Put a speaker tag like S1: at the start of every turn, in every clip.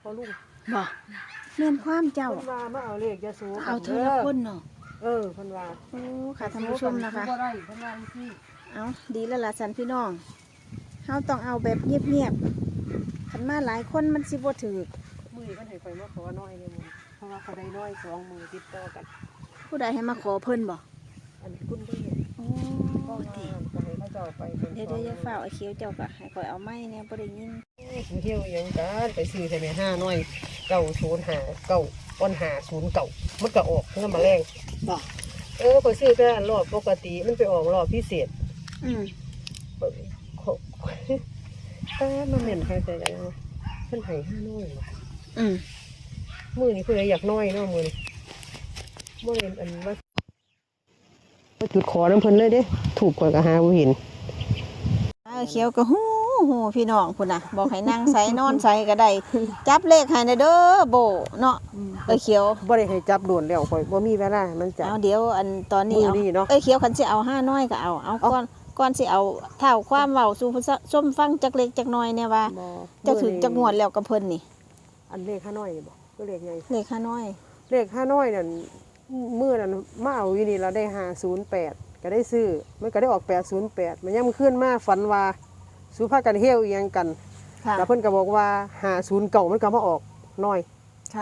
S1: อลุง
S2: บ่แม่นความเจ้า
S1: เพิ่นว่ามาเอาเลขยาสูบ
S2: เอาเธอละคนเนาะ
S1: เพิ่นว่า
S2: โอ้ค่ะท่านผู้ชมนะคะ
S1: บ่ได้เพิ่นว่าจังซี่
S2: เอาดีแล้วล่ะสันพี่น้องเฮาต้องเอาแบบเงียบๆคันมาหลายคนมันสิบ่ถูก
S1: มื้อนี้เพิ่นให้ข่อยมาขอน้อยเลยมื้อเพราะว่าเขาได้น้อย2มื้อติดต่อกัน
S2: ผู้ใดให้มาขอเพิ่นบ่
S1: อันนี้คุณได้เห็น
S2: โอ้
S1: ก็
S2: ติ
S1: ก็ให้เขาเจ้าไปเป็น
S2: เดี๋ยวอย่าฝ้าวไอ้เขียวเจ้าก็ให้ข่อยเอาไม้เนี่ยบ่ได้ยิน
S1: เที่ยวอีหยังกันไปซื้อใช่ไหม5น้อย905 9ก้อน509มันก็ออกเงินมาแรง
S2: บ่
S1: ไปซื้อแต่รอบปกติมันไปออกรอบพิเศษ
S2: อืม
S1: แต่มันเหม็นใครแต่ยังเพิ่นให้5น้อยว่ะ
S2: อืม
S1: มื้อนี้เพิ่นอยากน้อยเนาะมื้อนี้บ่เห็นอันว่าจุดขอน้ำเพิ่นเลยเด้ถูกกว่าก็หาบ่เห็น
S2: ไอ้เขียวก็ฮู้พี่น้องพุ่นน่ะบอกให้นั่งใส่นอนใส่ก็ได้จับเลขให้เด้อโบเนาะไอ้เขียว
S1: บ่ได้ให้จับโดนแล้วข่อยบ่มีเวลามันจับ
S2: เอาเดี๋ยวอันตอนนี้
S1: มื้
S2: เอา
S1: อนี้เนาะ
S2: ไอ้เขียวคันสิเอา5น้อยก็เอาก่อนสิเอาเท่าความเว้าสู่ผู้ชมฟังจักเล็กจักน้อยเนี่ยว่า
S1: บ่
S2: เจ้าถึงจักงวดแล้วกับเพิ่นนี่
S1: อันเลข5น้อยนี่บ่ก็เลขใหญ่
S2: เลข5น้อย
S1: เลข5น้อยนั่นมื้อนั้นมาเอาอยู่นี่เราได้508ก็ได้ซื้อมันก็ได้ออก808มันยังมันขึ้นมาฝันว่าสุภากันเฮี้ยวอีหยังกัน
S2: ค่ะ
S1: แล้วเพิ่นก็บอกว่า509มันก็มาออกน้อย
S2: ค่ะ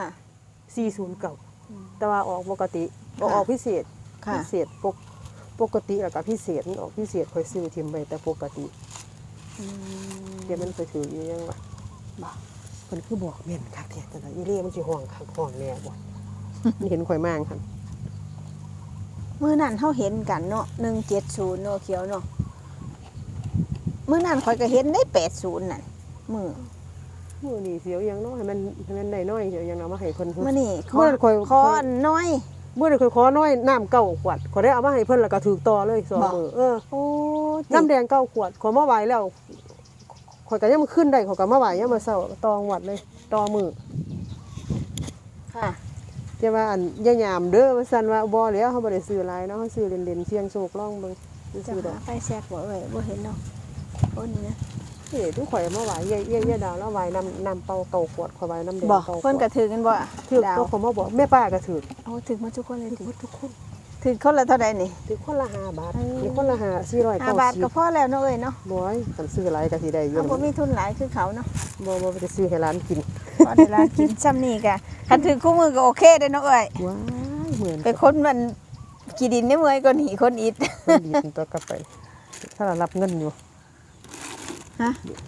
S1: 409แต่ว่าออกปกติบ่ออกพิเศษ
S2: ค่ะ
S1: พิเศษปกติแล้วก็พิเศษมันออกพิเศษค่อยซื้อทิมไปแต่ปกติเดี๋ยวมันไปถืออยู่ยังวะบ่เพิ่นคือบอกแม่นคักแท้จังได๋อีเล่มันสิห้องคักห้องแน่บ่ มันเห็นข่อยมางคั่น
S2: มื้อนั้นเฮาเห็นกันเนาะ170เนาะเขียวเนาะมื้อนั้นข่อยก็เห็นได้80นั่นมื้อ
S1: มื้อนี้เสียวอีหยังเนาะให้มันได้น้อยเสียวอีหยังเอามาให้เพิ่น
S2: มื้อนี้ขอ
S1: มื้อนั้นข่อย
S2: ขออันน้อย
S1: มื้อนั้นข่อยขอน้อยน้ำ9ขวดข่อยได้เอามาให้เพิ่นแล้วก็ถูกต่อเลย2มื้อ
S2: โอ้
S1: น้ำแดง9ขวดข่อยมาไหว้แล้วข่อยก็ยังมาขึ้นได้ข่อยก็มาไหว้ยามมื้อเช้าต่อหวัดเลยต่อมื้อ
S2: ค่ะ
S1: แต่ว่าอันอย่ายามเด้อว่าซั่นว่าบ่แล้วเฮาบ่ได้ซื้อหลายเนาะเฮาซื้อเล่นๆเสี่ยงโชคลองเบิ่ง
S2: จะ
S1: ซื้อดอ
S2: หาก ไฟแซกบ่เอ้ยบ่เห็นเนาะโอ้นี่นะ
S1: นี่ทุกข่อยมาไหว้เย่ดาวแล้วไหว้น้ำเปล่าเก่าขวดข่อยไหว้น้ำแดง
S2: บ่
S1: เก่าขวด
S2: เพิ่นก็ถือกันบ่
S1: ถือ
S2: ดาว
S1: ตัวเขามาบอกแม่ป้าก็ถือ
S2: โอ้ถึงมาทุกคนเลย
S1: ถือทุกคน
S2: ถึงคนละเท่าใดนี่
S1: ถือคนละ5 บาทมีคนละ490
S2: 5 บาทก็พอแล้วเนาะเอ้ยเนาะ
S1: บ่อยคันซื้อหลายก็สิได้อยู่
S2: เฮาบ่มีทุนหลายคือเขาเนาะ
S1: บ่ไปซื้อให้ร้านกิน
S2: พอได้ร้านกินซ้ำนี่ก็คันถึงคู่มือก็โอเคเด้อเนาะเอ้ย
S1: ว้ายเหมือน
S2: ไปคนมันกี่ดินได้เมื่อยก็หนีคนอิด
S1: คนดีถึงตัวกลับไป ถ้าเรารับเงินอยู่
S2: ฮะ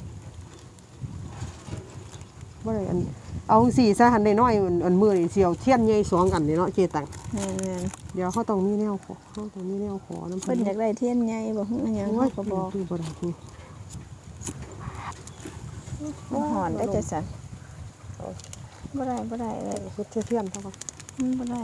S1: บ่ได้อันเอาสิซะหันได้น้อยอันมื้อนี่สิเอาเทียนใหญ่2อันนี่เนาะเจตัง
S2: แม่น
S1: เดี๋ยวเขาต้องมีแนวขอเขาต้องมีแนวขอน้ำ
S2: ๆเพิ่นอยากได้เทียนใหญ่บ่ฮู้อิหยัง
S1: โอ้ย
S2: เขาก็บอก
S1: คือบ่ได้คือ
S2: มันหอนได้จังซั่นบ่ได้เอ้ย
S1: คือเทียนเท่ากัน
S2: บ่ได้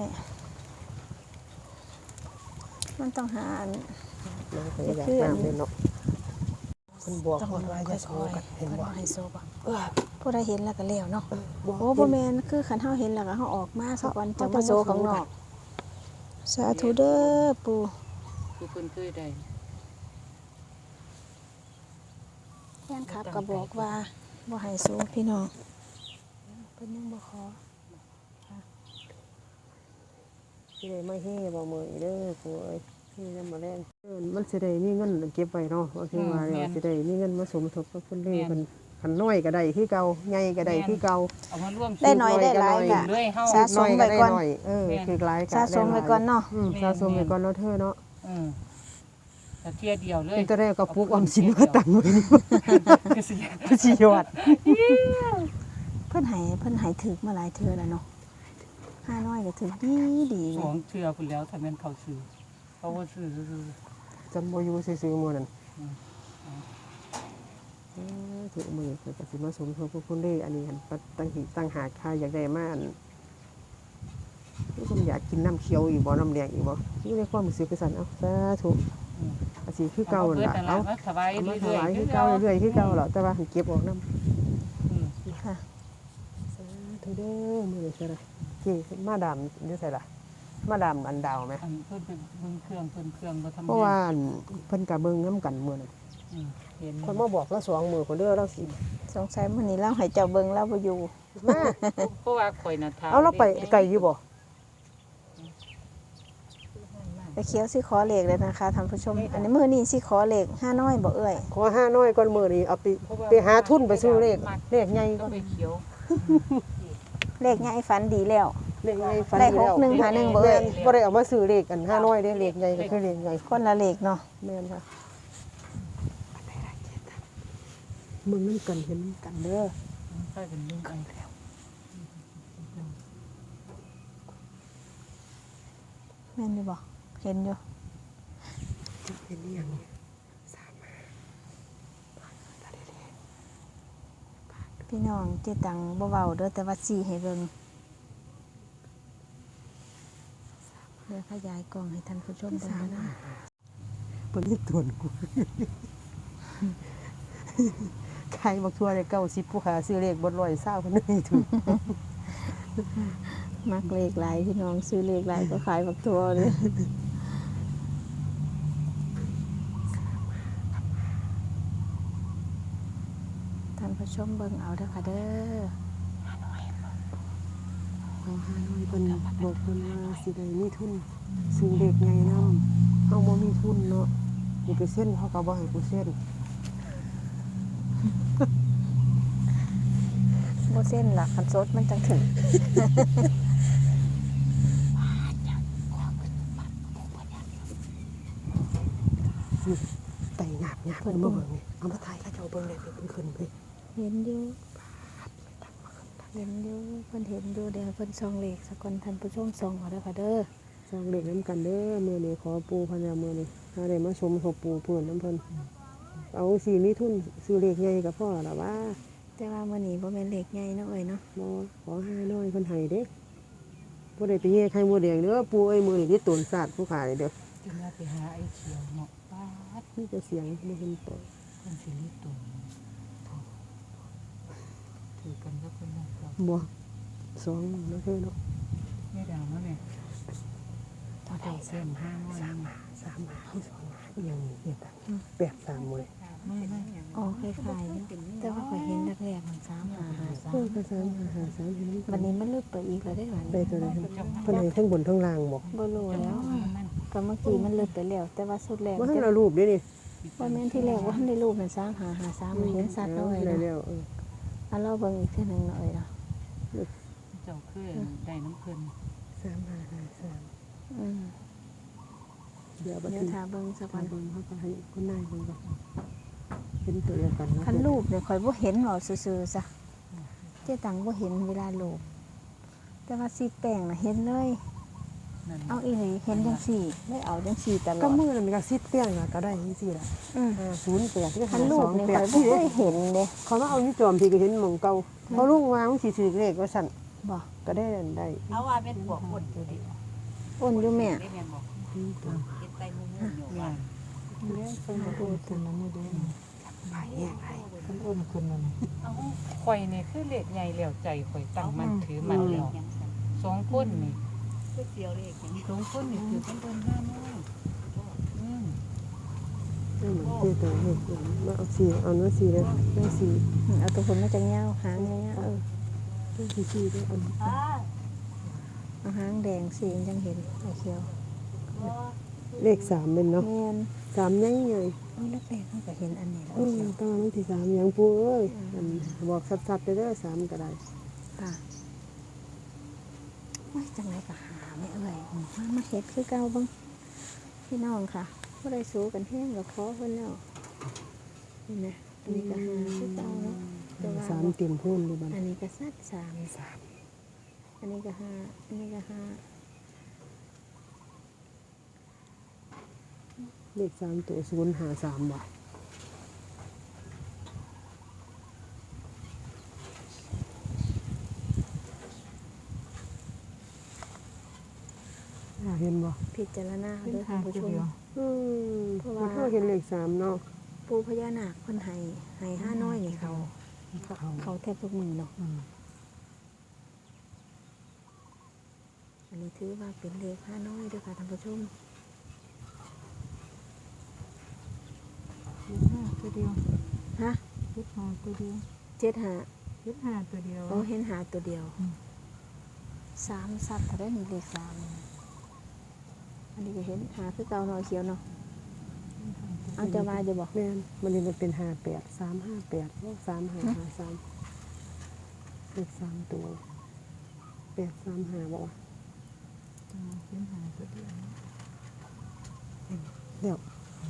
S2: มันต้องหาอัน
S1: น้องก็อยากน้ำเลยเนาะคนบอกคนว่าจะโซกันเห็นบ่
S2: ให้โซบ่ผู้ใดเห็นแล้วก็แล้วเนาะ
S1: บอก
S2: โอ้บ่แม่นคือคันเฮาเห็นแล้วก็เฮาออกมาสักวันจังมาโซข้างนอก สาธุเด้อปู่
S3: คือเพิ่นเคยได้
S2: แฟนคลับก็บอกว่าบ่ให้โซพี่น้องเพิ่นยังบ่ขอ
S1: สิได้มาเฮ่บ่มื้อนี้เด้อปู่เอ้ยนี่นำมาแรงมันสิได้มีเงินเก็บไว้เนาะว่าคือว่าแล้วสิได้มีเงินมาสมทบกับคนเล่เพิ่นคันน้อยก็ได้คือเก่าใหญ่ก็ได้คือเก่า
S3: เอามาร่วม
S2: ได้น้อยได้หลายก็
S3: เลยเฮา
S2: สะสมไว้ก่อน
S1: น้อยคือหลายก็
S2: สะสมไว้ก่อนเนาะ
S1: สะสมไว้ก่อนเนาะเธอเนาะ
S3: แต่เที่ยเดียวเลย
S1: เป็นแต่ได้ก็ปลูกออมสินมาตั้งไว้นี่
S3: ก็สิ
S1: สิยอด
S2: เพิ่นให้ถึกมาหลายเทื่อแล้วเนาะ5น้อยก็ถึกดี
S3: สองเทื่อพุ่นแล้วถ้าแม่นเขาซื้อเขาบ่ซื้อซื่อ
S1: จำบ่อยู่ซื่อๆมื้อนั้นถือมือเพิ่นก็สิมาสมทบกับคนเล่อันนี้หันตั้งหากค่าอยากได้มาอันผมอยากกินน้ำเขียวอีกบ่น้ำแดงอีกบ่นี่ในความรู้สึกคือซั่นเอ้าสาธุอาสิคือ
S3: ๆ
S1: เก่านั่นล่ะ
S3: เอา
S1: เอ้า
S3: สบาย
S1: เอามา
S3: เรื่
S1: ถ
S3: อย
S1: วาย
S3: ๆ
S1: คือเก่าเรื่อยๆคือเก่าหรอกแต่ว่าหันเก็บออกน้ำ
S2: ๆค่ะ
S1: สาธุเด้อมื้อนี้ใช่ล่ะนี่มาดามอยู่ไสล่ะมาดามอันดาวไหม
S3: อันเพิ่นเป็นเบิ่งเครื่องบ่ทำ
S1: เพราะว่าอันเพิ่นก็เบิ่งนํกันมื้อนั้น
S3: เห็น
S1: คนมาบอกเรา2มื้อคนเด้อเราสิ
S2: สงสัยมื้อนี้เราให้เจ้าเบิ่งเราบ่อยู่
S1: มา
S3: เพราะว่าข่อยน่ะถาม
S1: เอาเราไปไกลอยู่บ่
S2: ไปเขียวสิขอเลขเลยนะคะท่านผู้ชม อันนี้มื้อนี้สิขอเลขห้าน้อยบ่เอ่ย
S1: ขอ5น้อยก่อนมื้อนี้เอาไปหาทุนไปซื้อเลขใหญ่
S3: ก็
S1: ก่อน
S3: ไปเขียว
S2: เลขใหญ่ฝันดีแล้ว
S1: เลขใหญ่ฝัน
S2: ได้
S1: ดีแล้ว
S2: 61หา1บ่เอ่ย
S1: บ่ได้เอามาซื้อเลขกัน5น้อยเด้เลขใหญ่ก็คือเลขใหญ่
S2: คนละเลขเนาะ
S1: แม่นค่ะมึงนำกันเห็นกันเด้อ
S3: ใช่เป็นลุงกันแล้ว
S2: แม่นอยู่บ่เห็นอยู่
S1: เห็นอีหยังนี่
S2: พี่น้องเจตังบ่เว้าเด้อแต่ว่าสิให้เบิ่งเดี๋ยวขยายกล้องให้ท่านผู้ชมเบิ่งนะ
S1: เพิ่นสิตวนกูใครบักทั่วได้90ผู้ขาซื้อเลขบ่120เพิ่นนี่ถูก
S2: มักเลขหลายพี่น้องซื้อเลขหลายก็ขายบักทัวเลยท่านผู้ชมเบิ่งเอาเด้อค่ะเด้อ
S1: เอา5น้อยเพิ่นบอกเพิ่นว่าสิได้มีทุนซื้อเลขใหญ่นำเฮาบ่มีทุนเนาะกูไปเซ็นเขาก็บ่ให้กูเซ็น
S2: บ่เส้นหลักคันสดมันจังถึง
S1: ไต่หยาบเพิ่นมาเบิ่งนี่เอามาถ่ายเขาเจ้าเบิ่งเลยเพิ่นขึ้นไป
S2: เห็นอยู่เห็นอยู่เพิ่นเห็นอยู่เดี๋ยวเพิ่นส่องเลขสักคนท่านผู้ชมส่องเอาเด้อค่ะเด้อ
S1: สร้างเลขนํกันเด้อมื้อนี้ขอปู่พญามื้อนี้ถ้าได้มาชมศพปู่เพิ่นนํเพิ่นเอาสิมีทุนซื้อเลขใหญ่ก็พอล่ะว่า
S2: แต่ว่ามื้อนี้บ่แม่นเลขใหญ่เนาะเอ้ยเนาะ
S1: บ่ขอ5น้อยเพิ่นให้เด้บ่ได้ไปแย่ไข่มดแดงเด้อปู่เอ้ยมื้อนี้ที่ต้นศาสตร์ผู้ขายเด้อ
S3: จึงว่าไปหาไอ้เขียวเนาะป้าด
S1: มีแต่เสียงบ่เห็นตัว
S3: คนสิริตุนถือกันก็คนนั้นก็
S1: บ่สองนะเพิ่นเนาะ
S3: ไม่ดังแล้วเนี่ย
S2: เท่าใด
S3: เส้นห้าน้อยนี่
S1: 3เฮาสองอีหยังนี่เฮ็ดอ่ะ83มื้อ
S3: ไม่
S2: อ๋อคล้ายๆอยู่แต่ว่าข่อยเห็นแรกๆมัน3
S1: เออก็3 เห็น
S2: 5 3วันนี้มันลึกไปอีกแล้วได้หวาน
S1: ได้ตัวใดครับเพิ่นให้ทั้งบนทั้งล่างบ่
S2: บ่รู้แล้ว
S3: มัน
S2: ก็เมื่อกี้มันลึกไปแล้วแต่ว่าสุดแรก
S1: บ่ทันเอารูปเด้นี่
S2: ว่าแม่นที่แรกว่าทันได้รูปนั่น3 มันเห็นสัตว์เอาไว้
S1: ได้
S2: นะ
S1: แล้ว
S2: เอาเราเบิ่งอีกเทื่อหนึงหน่อยเนาะ
S3: เจ้าเคยได้น้ำเพลิน
S1: 3553
S2: อืม
S1: เดี๋ยวบัด
S2: เดี๋ยว
S1: นี้
S2: ถ้าเบิ่งสัก
S1: ก่อ
S2: วัน น
S1: เบิ่งเขาก็ให้คนนายเบิ่งก่อนเป็นตัวเดียวกันเนาะ
S2: คันรูปเนี่ยข่อยบ่เห็นเว้าซื่อๆซะเจ๊ตังบ่เห็นเวลารูปแต่ว่าสีแป้งน่ะเห็นเลย
S3: นั่น
S2: เอาอีหลีเห็นจังซี่ได้เอาจังซี่ตล
S1: ก็
S2: อด
S1: มือนั้นมันก็ซิดเตี้ยงอะก็ได้จังซี่ล่ะ
S2: อืม
S1: 08ที่
S2: คันรูปนี่ข่อยบ่เคยเห็นเด้
S1: เขามาเอาอยู่จอมที่ก็เห็นหม่องเก่าเขาลุงวางสิถือเลขว่าซั่น
S2: บ่
S1: ก็ได้นั่นได้
S4: เอาว่าเป็นพวกคนอยู่ดิ
S2: อ้นอยู่แม่
S4: ได้แม่นบอกกินไตมุ้งอยู่ว่า
S3: เลี้ยงเป็นคนคนนั้นนี่เด้อ
S1: ไปแห้งให้
S3: คนอ้นคนนั้นเอาข่อยนี่คือเลขใหญ่แล้วใจข่อยตั้งมันถือมันแล้วสองคนนี่
S4: ก๋วยเตี๋ยวเลขอย่างนี้
S3: สองคนนี่คือเป็นคนห้าน้อยอืม
S1: เหมือนที่ตัวเลขมาเอาสีเอาเนื้อสีเลยได้สี
S2: เอาตัวคนมาจังยาวหางยาว
S1: ได้สีได้เอา
S2: เอาหางแดงสีมันจังเห็นไอ้เขียว
S1: เลข3เป็นเนาะ
S2: แม่น
S1: 3ใหญ่ใหญ่
S2: เอาแล้วแป้งมันก็เห็นอันนี้แล้ว
S1: ตอนนั้นที่3ยังปูเอ้ยบอกสัดๆเด้อ3ก็ได้
S2: ค่ะไม่จังไรก็หาไม่เอ่ยมาเฮ็ดคือเก่าเบ้างพี่น้องค่ะบ่ได้สู้กันแห้งกับขอเพิ่นแล้วนี่นะอันนี้ก็หาคือเก่าเนาะแต่ว่า
S1: 3เต็มพูนดูบัด
S2: อันนี้ก็สัด3อันนี้ก็หาอันนี้ก็หา
S1: เลข3ตัว053บ่เห็นบ่
S2: พิจารณา
S3: เป็น
S2: เด้อ
S3: ทา
S2: ท่าง นผู้
S3: ผู้
S2: ช
S3: เดียว
S2: ม เพราะว่า
S1: เขาเห็นเลข3เนาะ
S2: ปู่พญานาคเพิ่นให้ห้าน้อยนี่เขาแทบทุกมือเนาะ
S3: อืม
S2: อันนี้ถือว่าเป็นเลขห้าน้อยเด้อค่ะท่านผู้ชม
S3: ตัวเดียว
S2: ฮะ
S3: ตัวเดียว
S2: เจ็ดหา
S3: เห็นหาตัวเดียว
S2: โอ้เห็นหาตัวเดียวสามสัตว์ถ้าได้มีเลขสามอันนี้ก็เห็นหาคือเก่าหน่อยเขียวเนาะเอาจะมาจะบอก
S1: แม่นมันนี่มันเป็น58 358 3553เลข3ตัว835บ่วะ
S3: เห็นหาตัวเดียว
S1: เดี๋ยว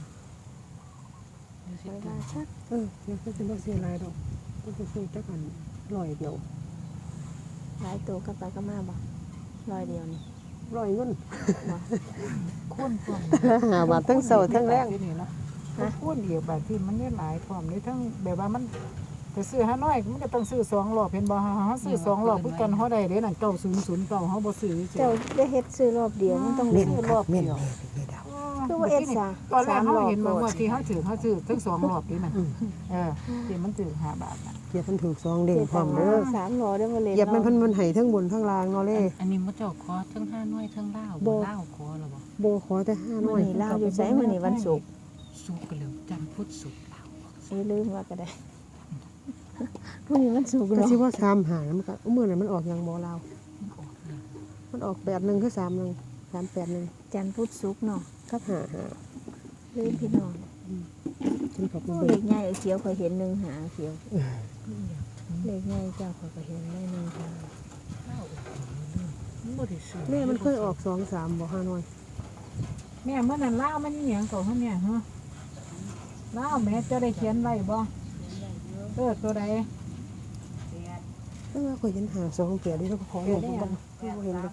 S2: ไว้ว่าชัก
S1: เดี๋ยวก็สิบ่เสียหลายดอกก็สิซื้อจักอัน100เดียว
S2: หลายตัวกับไปก็มาบอกร้อยเดียวนี่
S1: 100เงิน
S2: บอก
S3: คุ้นความ
S1: หาบาททั้งเช้าทั้งแรง
S3: ที่นี่เนาะคุ้นเดียวบาทที่มันได้หลายความนี่ทั้งแบบว่ามันจะซื้อ5น้อยมันก็ต้องซื้อ2รอบเห็นบ่เฮาซื้อ2รอบคือกันเฮาได้เด้นั่น9009เฮาบ่ซื้อเจ้
S2: เจ้าได้เฮ็ดซื้อรอบเดียวมันต้อง
S1: เม่น
S2: ซื้อ
S1: ค
S2: ร
S1: รั
S2: อ
S1: บบ เม่น
S2: เดียว
S1: เม่นดาว
S2: คือว่าเอ็ดซ่า
S3: ตอนแรก
S2: 3
S3: เขา
S2: รอบ
S3: เห็น
S2: โล
S3: มา
S2: ด
S3: ว่าที่เขาถือทั้ง2รอบนี่มันที่มันถือ5 บาทน่ะ
S1: เหยียบมันถูก2เด้งพร้อมเด้อ
S2: 3 รอเด้อมาเลย
S1: เหยียบมันเพิ่นมันให้ทั้งบนทั้งล่างเนาะเล่
S3: อันนี้มันเจ้าคอทั้ง5น้อยทั้งลาว
S1: บ่
S3: ลาวคอแล้วบ่
S1: บ่ขอแต่5น้
S2: มื้
S1: อ
S2: อย นี้ลาวอยู่ไสมื้อนี้วันศุกร์
S3: สุกกันแล้วจันทร์พุธศุกร์ลาว
S2: ลืมว่าก็ได้มื้อนี้วันศุกร์
S1: ก็
S2: เนาะ
S1: สิว่า3หามันก็มื้อนั้นมันออกหยังบ่ลาว
S3: ออกเลย
S1: มันออก81คือ31 381
S2: จันทร์พุธศุกร์เนาะ
S1: กับ5
S2: ลืมพี่น้อง
S1: 5ฉันขอบคุณ
S2: เลขใหญ่เขียวเคยเห็น1หาเขียวเลขใหญ่เจ้าข้อยก็เห็นได้1หา
S3: ลาวมันบ่ได้ซื้อ
S1: แม่มันเคยออก2 3บ่5น้อย
S3: แม่เมื่อนั้นลาวมันอีหยังก่อนเฮาเนี่ยฮะลาวแม่จะได้เขียนไว้บ่ตัวใด
S1: แต่ว่าข่อยเห็น5 2เปียดิแล้วก็ขอลงบ่เห็นเลย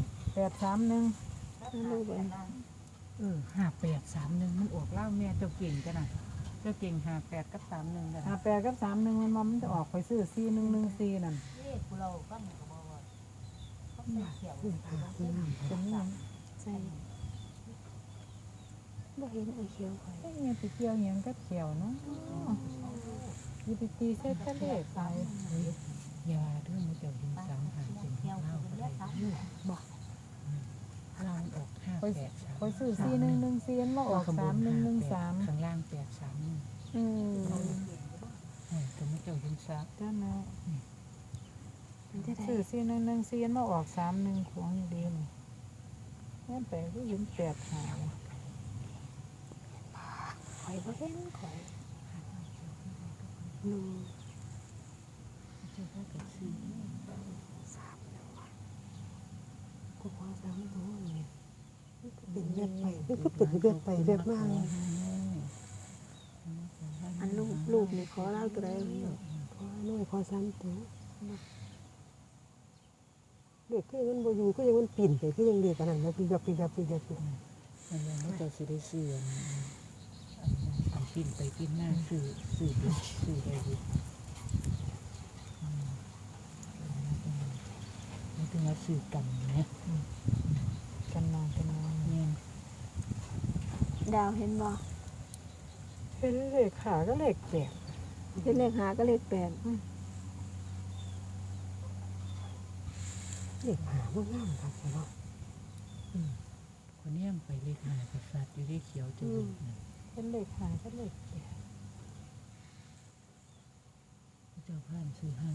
S3: 831
S2: ลูกเอ้ย
S3: 5831มันออกลาวแม่เจ้าเก่งจังน่ะเจ้าเก่ง58กับ31กัน58กับ31มันจะออกไปซื้อ4114นั่น
S4: เลขเราก็มันก็บอกว่าเขาใส่เขียว
S3: เป็นหยัง
S2: ใส่บ่เห็นไอ้เขียวข่อย
S3: ไอ้เนี่ยไปเกี่ยวหยังกับเขียวเนาะอยู่ไปตีใส่ทะเลไปอย่าเรื่องมันจะยิงซ้ำหาจริง
S4: เขียว
S3: เล่า
S4: เป็น
S3: ก็
S4: เลือ
S3: ได้
S4: ดซ้ำ
S3: เราออก58ไปซื้อ4114มาออก3113ข้างล่าง831
S2: อืม
S3: แต่ไม่เจ้ายิงซ้ำจ้านะ
S2: มันจะได้
S3: ซื้อ4114มาออก31ของอยู่ดีนี่แม่นไปก็ยิง8หา
S2: ข่อยบ่เห็นข่อย
S1: ก็ขอ3ตัวนี่เป็นเวียดไปก็เป็นเวียดไปเวียดมา
S2: อันลูกนี่ขอเล่าตัวใด
S1: ขอน้อยขอ3ตัวเด็กคือมันบ่อยู่คือยังมันปิ่นไปคือยังเด็กอันนั้นแล้วปีกับ
S3: มันยังไม่เจ้าสิได้ซื้ออันปิ้นไปปิ้นมาซื้อได้ดีนี่ถึงว่าซื้อกันนะกันนอนเนี่ย
S2: ดาวเห็นบ่
S3: เห็นเลขขาก็เลขแปด
S2: เห็นเลขหาก็เลข8
S1: เด็กหาบ่งามครับเนาะ
S3: คนนี้ไปเลขหากษัตริย์อยู่ได้เขียวจะดีเป็นเลขหาก็เลขแปดเจ้าผ่านซื้อห้า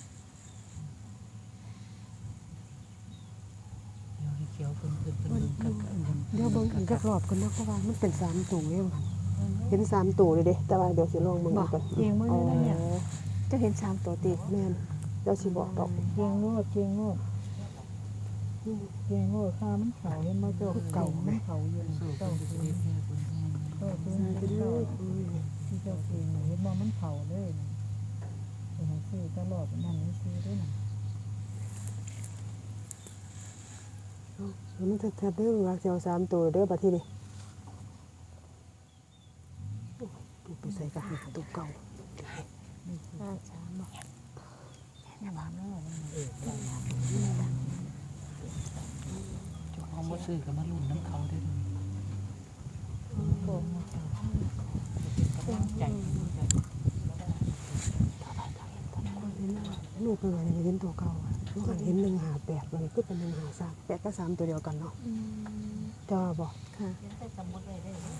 S3: เดี๋ยวให้เขียวเป็นกัน
S1: เดี๋ยวเบิ่งอีกจักรอบกันเนาะเพราะว่ามันเป็น3ตัวเองค่ะเห็น3ตัวเลยเด้แต่ว่าเดี๋ยวสิลองเบิ่งก่อน
S3: เกียงมือนั่นเนี่ย
S2: เจะเห็น3ตัวติด
S1: แม่นเดี๋ยวสิบอกดอก
S3: เกียงโง่ข้ามันเขาเห็นมาเจ้าเก่ามันเขาอยู่เจ้าคือเจ้าที่เจ้าเองเห็นมามันเขาเลยเห็นซื้อตลอดนั่นนี่ซื้อด้วยนะ
S1: มันจะเด้อรักสิเอา3ตัวเด้อบัดทีนี้ไปใส่กระหาตัวเก่า
S2: 53บ่
S3: เขามาซื้อกับมาลุ่นน้ำเขาด้วยใจ
S1: ลูกเป็นไงเห็นตัวเก่าลูกเห็น158มันก็เป็น153 8กับ3ตัวเดียวกันเนาะจะว่าบ่
S2: ค่ะ
S4: ใส่สมุดเลยได้เลย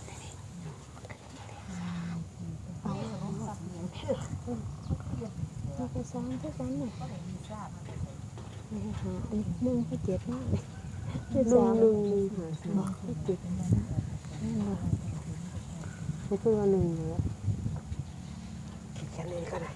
S2: เก็ซ้อนคือกันน่ะ
S4: ก็ได้มีทราบมันเป็น
S2: นี่หาอันหนึ่งก็เจ็ดมากเลย
S1: หนึ่งหนึ่งหนึ่งหาสามเจ็ดไม่คือว่าหนึ่งเลยเขียนเองก็ได้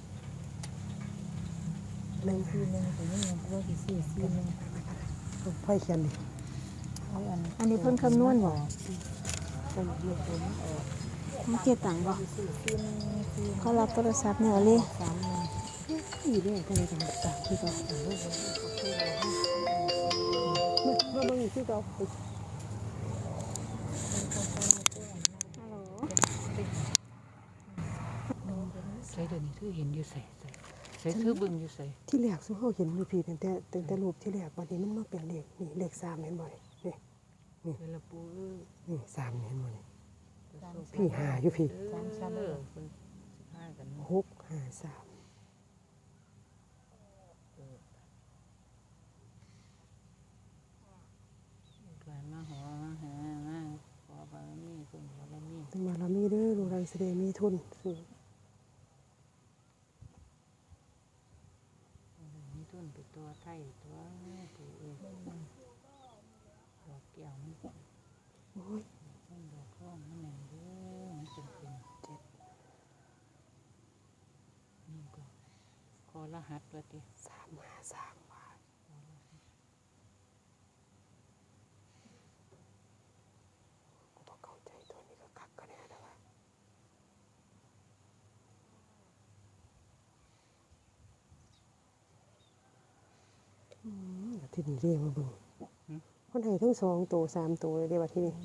S1: หนึ่ง
S3: ซีนึงแต่ยังยังว่ากี่ซีนึง
S1: พ่อยเขียนดิ
S3: เอาอัน
S2: อันนี้เพิ่นคำนวณบ่
S1: ต้องเลือกตัวนี้
S2: มันเจ็ดต่างบ่
S3: ซีนึงซี
S2: เขารับโทรศัพท์เนี่ยเลย
S3: 3นึง
S1: อยู่ด้วยกันเลยกันสามที่เราเมื่อบางที่เรา
S4: ใส่เดี๋ยวนี้ถือเห็นอยู่ใส่ถือบึงอยู่ใส่
S1: ที่แรกซึ่งเขาเห็นมีผีแต่รูปที่แรกวันนี้มันมาเป็นเลขนี่เลขสามเห็นบ่นี่
S4: เวลาปู
S1: นี่สามเห็นบ่นี่พี่หาอยู่พี่
S4: คนห้ากัน
S1: หกหาสาม
S4: กลายมาหอหามาขอบารมีคุณบารมี
S1: ถึงมาเรามีเด้อลูกหลานแสดงมีทุนซื้อ
S4: มีทุนไปตัวไทยตัวปูเอ้ยดอกแก้วมัน
S1: โอ้ย
S4: ต้นดอกร่องมันแหน่งเด้อมันจำเป็นเจ็ดนี่ก็ขอรหัสว่าติ
S1: สามหาสามบาทกูต้องเข้าใจตัวนี้ก็คักกันแน่นะว่าที่นี่เรียกมาเบิ่งคนให้ทั้ง2ตัว3ตัวเลยเด้ว่าที่นี่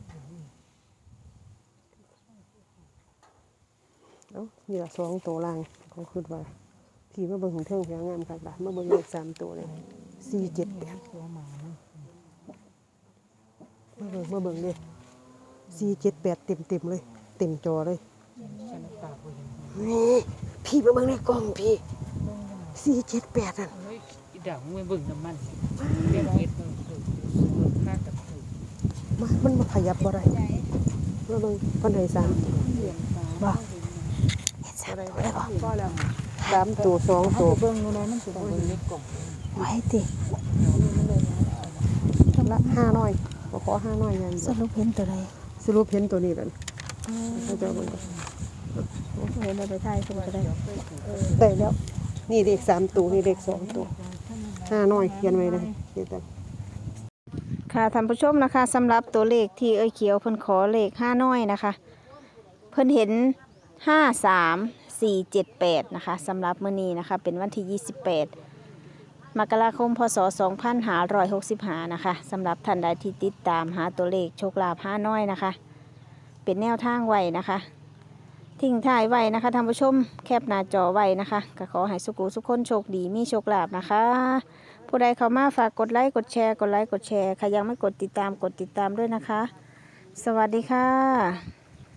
S1: เอ้านี่ละ2ตัวล่างเขาคิดว่าพี่มาเบิ่งของเทิงเพียงงามคักล่ะมาเบิ่งเลข3ตัวเลย478
S3: ตัวหมา
S1: มาเบิ่งเลย478เต็มเลยเต็มจอเลย
S4: ฉันปากบ่เห็น
S1: นี่พี่มาเบิ่งในกล้องพี่478นั่น
S4: เฮ้ยอีดาวมึงไปเบิ่งน้ำมันสิเรียกเฮ็ดมึงถูกค่ากับถูก
S1: มันมาขยับบ่ได้มาเบิ่งเพิ่นให้3
S3: เหลี่ยมตา
S1: บ่เฮ็ด3ตัวได้บ่พอแล้ว3ตัว2ตัว
S3: เบิ่งดูเลยมันสิได้
S4: เบิ่งในกล่อง
S2: ไว้ติ
S1: ละ5น้อยบ่ขอ5น้อยอย่าง
S2: ส
S1: เดียว
S2: รุปเห็นตัวใด
S1: สรุปเห็นตัวนี้แล้วเขาจะเอาเบิ่งก่อน
S2: เห็นไปถ่ายคือบ่ได้
S1: ได้แล้ว นี่เลข3ตัวนี่เลข2ตัว5น้อยเขียนไว้เลยเดี๋ยวแต่
S2: ค่ะท่านผู้ชมนะคะสำหรับตัวเลขที่เอ้ยเขียวเพิ่นขอเลข5น้อยนะคะ เพิ่นเห็น53478นะคะสำหรับมื้อนี้นะคะเป็นวันที่28มกราคมพศ2565นะคะสำหรับท่านใดที่ติดตามหาตัวเลขโชคลาภ5น้อยนะคะ เป็นแนวทางไว้นะคะ ทิ้งท้ายไว้นะคะท่านผู้ชมแคปหน้าจอไว้นะคะก็ขอให้สุขุสุขคนโชคดีมีโชคลาภนะคะ ผู้ใดเข้ามาฝากกดไลค์กดแชร์กดไลค์กดแชร์ใครยังไม่กดติดตามด้วยนะคะ สวัสดีค่ะ